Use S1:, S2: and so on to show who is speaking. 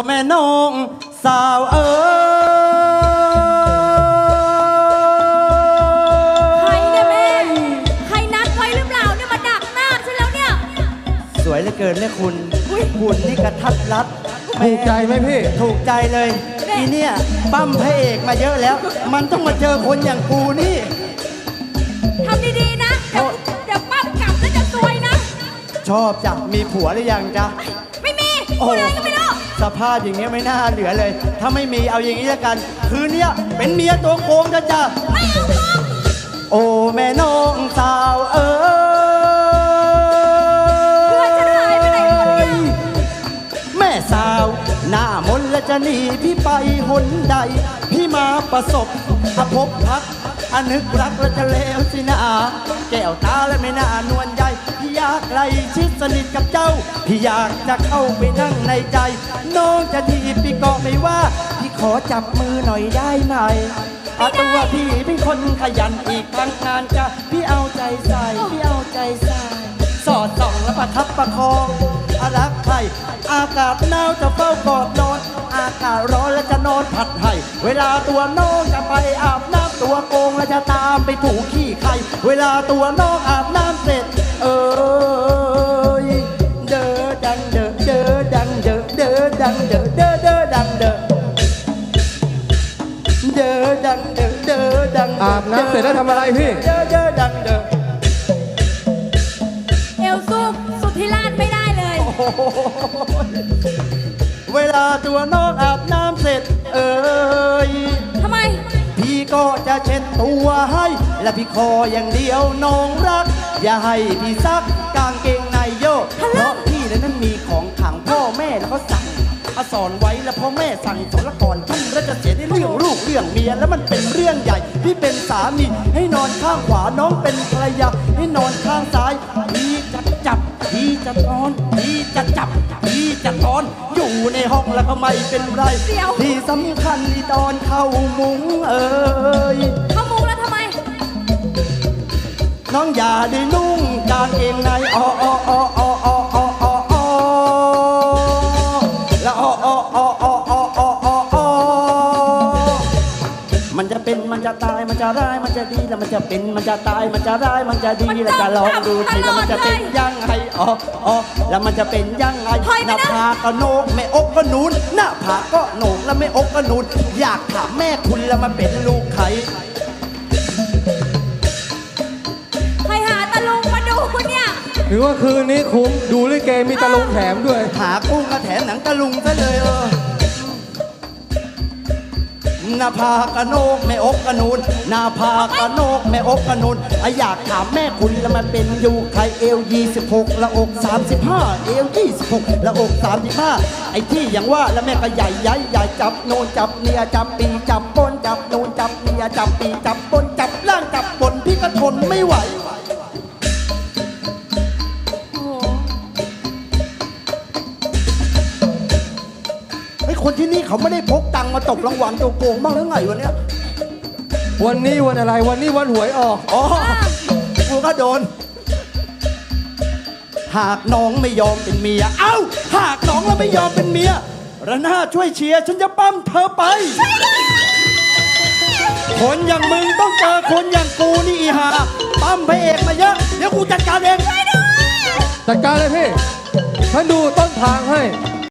S1: แม่น้องสาวเอ๋
S2: ใครเนี่ยแม่ใครนัดไว้หรือเปล่าเนี่ยมาดักหน้าฉันแล้วเนี่ย
S1: สวยเหลือเกินเนี่ยคุณนี่กระทัดรัด
S3: ถูกใจไหมพี่
S1: ถูกใจเลยทีเนี่ยปั้มพระเอกมาเยอะแล้ว มันต้องมาเจอคนอย่างกูนี่
S2: ทำดีๆนะเดี๋ยวปั้มกลับแล้วจะซวยนะ
S1: ชอบจ้ะมีผัวหรือยังจ๊ะ
S2: ไม่มีพูดอะไรก็ไม่รู้
S1: สภาพอย่างเงี้ยไม่น่าเหลือเลยถ้าไม่มีเอาอย่างนี้ละกันคืนนี้เป็นเมียตัวโกงจ้ะ
S2: ไม่เอา
S1: โอ้แม่น้องสาวเอ๋
S2: ยเพื่อนฉันหายไปไหนหมดเนี่ย
S1: แม่สาวหน้ามนและจะหนีพี่ไปหนใดพี่มาประสบพบพักอนึกรักและจะเลวสินะแก้วตาและไม่น่านวลใยพี่อยากไกลชิดสนิทกับเจ้าพี่อยากจะเข้าไปนั่งในใจน้องจะทีพี่ก็ไม่ว่าพี่ขอจับมือหน่อยได้ไหมตัวพี่เป็นคนขยันอีกทั้งงานจะพี่เอาใจใส่พี่เอาใจใส่สอดส่องและประทับประคองรักใครอากาศหนาวจะเฝ้ากอดนอนอากาศร้อนและจะนอนผัดให้เวลาตัวน้องจะไปอาบน้ำตัวโกงและจะตามไปถูขี้ใครเวลาตัวน้องอาบน้ำเสร็จเด้อดังเด้อเด้อดังเด้อเด้อดังเด้อเด้อเด้อดังเด้อเด้อดังเด้อเด้อดัง
S3: อาบน้ำเสร็จแล้วทำอะไรพี่
S1: เด้อเด้อดังเด้อ
S2: เอวสู้สุดที่ลาดไม่ได้เลย
S1: เวลาตัวน้องอาบน้ำเสร็จ
S2: ทำไม
S1: พี่ก็จะเช็ดตัวให้และพี่ขออย่างเดียวน้องรักอย่าให้พี่ซักกางเกงในโยกเพราะพี่นั้นมีของขังพ่อแม่แล้วก็สั่งสอนไว้แล้วพ่อแม่สั่งสอนละก่อนทุ่มแล้วจะเสียในเรื่องลูกเรื่องเมียแล้วมันเป็นเรื่องใหญ่พี่เป็นสามีให้นอนข้างขวาน้องเป็นภรรยาให้นอนข้างซ้ายพี่จะจับพี่จะนอนพี่จะจับพี่จะนอนอยู่ในห้องแล้วก็ไม่เป็นไรที่สำคัญที่ตอนเข้ามุ้ง
S2: เข้ามุ้งแล้วทำไม
S1: น้องอย่าได้นุ่งกางเกงในแล้วมันจะเป็นมันจะตายมันจะร้ายมันจะดีแล้วมันจะเป็นมันจะตายมันจะร้ายมันจะดีแล้วจะลองดูทีแล้วมันจะเป็นยังไงแล้วมันจะเป็นยังไงหน้าผากก็โหนกแม่อกก็นูนหน้าผากก็โหนกแล้วแม่อกก็นูนอยากถามแม่คุณแล้วมาเป็นลูกใคร
S2: หาตะลุงมาดูเนี่ย
S3: ถือว่าคืนนี้คุ้มดูลิเกมีตะลุงแถมด้วย
S1: หากุ้งก็แถมหนังตะลุงซะเลยหน้าผากกระโนกแม่อกกระนูนหน้าผากกระโนกแม่อกกระนูนอยากถามแม่คุณแล้วมันเป็นอยู่ใครเอว26ละอก35เอว26ละอก35ไอ้ที่อย่างว่าแล้วแม่ก็ใหญ่จับโนนจับเนียจับปีจับป้นจับโนนจับเนียจับปีจับป้นจับล่างจับบนพี่ก็ทนไม่ไหวคนที่นี่เขาไม่ได้พกตังมาตกรางวัลตัวโกงบ้างหรือไงวันนี้
S3: วันนี้วันอะไรวันนี้วันหวยออก
S1: กูก็โดนหากน้องไม่ยอมเป็นเมียหากน้องแล้วไม่ยอมเป็นเมียระนาช่วยเชียร์ฉันจะปั้มเธอไปคนอย่างมึงต้องเจอคนอย่างกูนี่อีห่าปั้มพระเอกมาเยอะเดี๋ยวกูจัดการเอง
S3: จัดการเลยพี่ฉันดูต้นทางให้